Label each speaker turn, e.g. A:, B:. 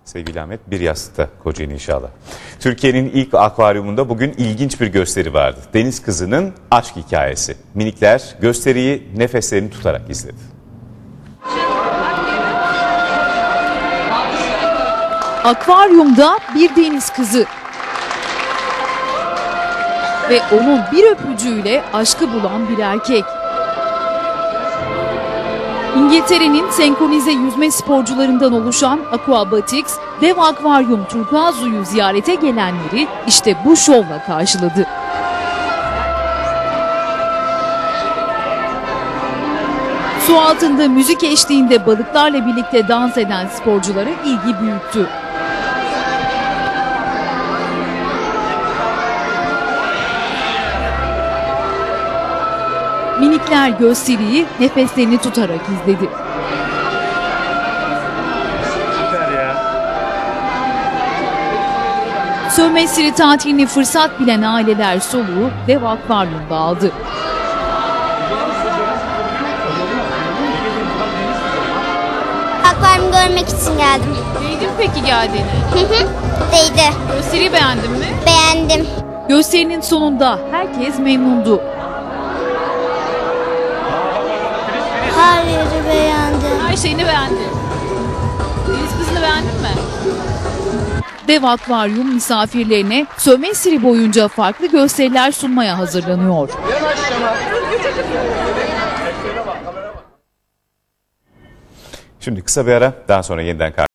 A: Sevgili Ahmet, bir yastıkta Kocaeli inşallah. Türkiye'nin ilk akvaryumunda bugün ilginç bir gösteri vardı. Deniz kızının aşk hikayesi. Minikler gösteriyi nefeslerini tutarak izledi.
B: Akvaryumda bir deniz kızı ve onun bir öpücüğüyle aşkı bulan bir erkek. İngiltere'nin senkronize yüzme sporcularından oluşan Aquabatics, dev akvaryum Turkuazzu'yu ziyarete gelenleri işte bu şovla karşıladı. Su altında müzik eşliğinde balıklarla birlikte dans eden sporculara ilgi büyüttü. Minikler gösteriyi nefeslerini tutarak izledi. Sömestr tatilini fırsat bilen aileler soluğu dev akvaryumda aldı.
C: Akvaryumu görmek için geldim.
B: Değdi mi peki geldiğine?
C: Değdi.
B: Gösteriyi beğendin mi?
C: Beğendim.
B: Gösterinin sonunda herkes memnundu.
C: Her yeri beğendim.
B: Her şeyini beğendi. Deniz kızını beğendin mi? Dev akvaryum misafirlerine sömestr boyunca farklı gösteriler sunmaya hazırlanıyor.
A: Şimdi kısa bir ara, daha sonra yeniden